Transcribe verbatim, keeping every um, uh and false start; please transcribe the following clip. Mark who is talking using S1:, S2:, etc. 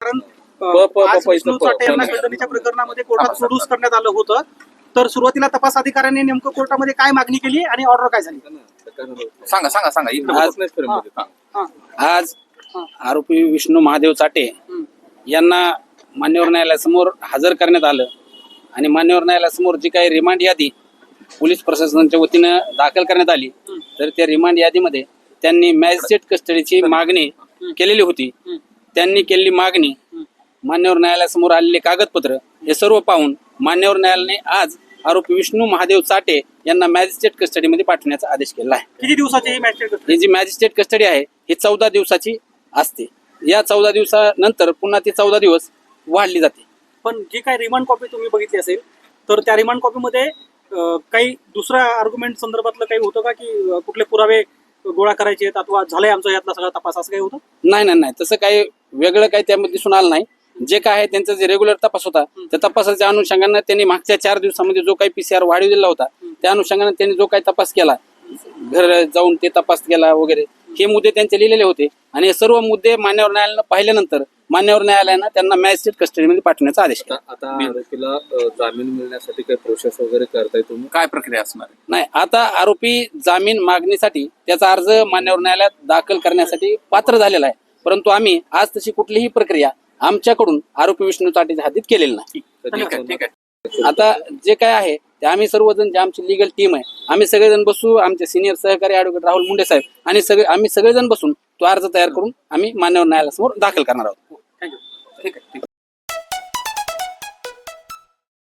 S1: कारण
S2: प- प-
S1: आज
S2: प-
S1: विष्णू
S2: प-
S1: चाटे यांना
S2: प-
S1: खंडणीच्या प्रकरणामध्ये कोर्टात सोडूस करण्यात आलं होतं. तर सुरुवातीला तपास अधिकाऱ्यांनी नेमकं कोर्टामध्ये काय मागणी केली आणि ऑर्डर काय झाली?
S3: सांगा सांगा सांगा इकडे
S2: आज
S3: बघू.
S2: नाही फ्रेम मध्ये.
S1: हा.
S4: आज
S1: हा.
S4: आरोपी विष्णू महादेव चाटे
S1: हम्म.
S4: यांना मान्यवर न्यायालयासमोर हजर करण्यात आलं आणि मान्यवर न्यायालयासमोर जी काही रिमांड यादी पोलीस प्रशासनाच्या वतीनं दाखल करण्यात आली, तर त्या रिमांड यादीमध्ये त्यांनी मॅजिस्ट्रेट कस्टडीची मागणी केलेली होती. त्यांनी केलेली मागणी, मान्यवर न्यायालयासमोर आलेले कागदपत्र हे सर्व पाहून मान्यवर न्यायालयाने आज आरोपी विष्णू महादेव चाटे यांना मॅजिस्ट्रेट कस्टडीमध्ये पाठवण्याचा आदेश केला आहे.
S1: किती दिवसाची ही मॅजिस्ट्रेट कस्टडी?
S4: ही जी मॅजिस्ट्रेट कस्टडी आहे ही चौदा दिवसाची असते. या चौदा दिवसानंतर पुन्हा ती चौदा दिवस वाढली जाते.
S1: पण जी काही रिमांड कॉपी तुम्ही बघितली असेल तर त्या रिमांड कॉपीमध्ये अं, काही दुसऱ्या आर्ग्युमेंट संदर्भातलं काही होतं का, की अं, कुठले पुरावे गोळा करायचे आहेत अथवा झालाय आमचा यातला सगळा तपास, असं काही होतं?
S4: नाही नाही नाही तसं काही वेगळं काही त्यामध्ये दिसून आलं नाही. जे काय आहे त्यांचा जे रेग्युलर तपास होता त्या तपासाच्या अनुषंगाने त्यांनी मागच्या चार दिवसामध्ये जो काही पीसीआर वाढविलेला होता त्या अनुषंगाने त्यांनी जो काही तपास केला, घर जाऊन ते तपास केला वगैरे, हे मुद्दे त्यांचे लिहिलेले होते आणि हे सर्व मुद्दे मान्यवर न्यायालयानं पाहिल्यानंतर मान्यवर न्यायालयानं त्यांना मॅजिस्ट्रेट कस्टडीमध्ये पाठवण्याचा आदेश केला.
S2: आता आता आरोपीला अ, जामीन मिळण्यासाठी काही प्रोसेस वगैरे करताय तुम्ही?
S3: काय प्रक्रिया असणार आहे?
S4: नाही, आता आरोपी जामीन मागणीसाठी त्याचा अर्ज मान्यवर न्यायालयात दाखल करण्यासाठी पात्र झालेला आहे, परंतु आम्ही आज तशी कुठलीही प्रक्रिया आमच्याकडून आरोपी विष्णू चाटेच्या हातीत केलेली नाही.
S3: ठीक आहे ठीक आहे
S4: आता जे काय आहे ते आम्ही सर्वजण, जे आमची लिगल टीम आहे, आम्ही सगळेजण बसू, आमचे सिनियर सहकारी ॲडव्होकेट राहुल मुंडे साहेब आणि सगळे आम्ही सगळेजण बसून तो अर्ज तयार करून आम्ही मान्यवर न्यायालयासमोर दाखल करणार आहोत.
S1: थँक्यू.
S3: ठीक आहे ठीक आहे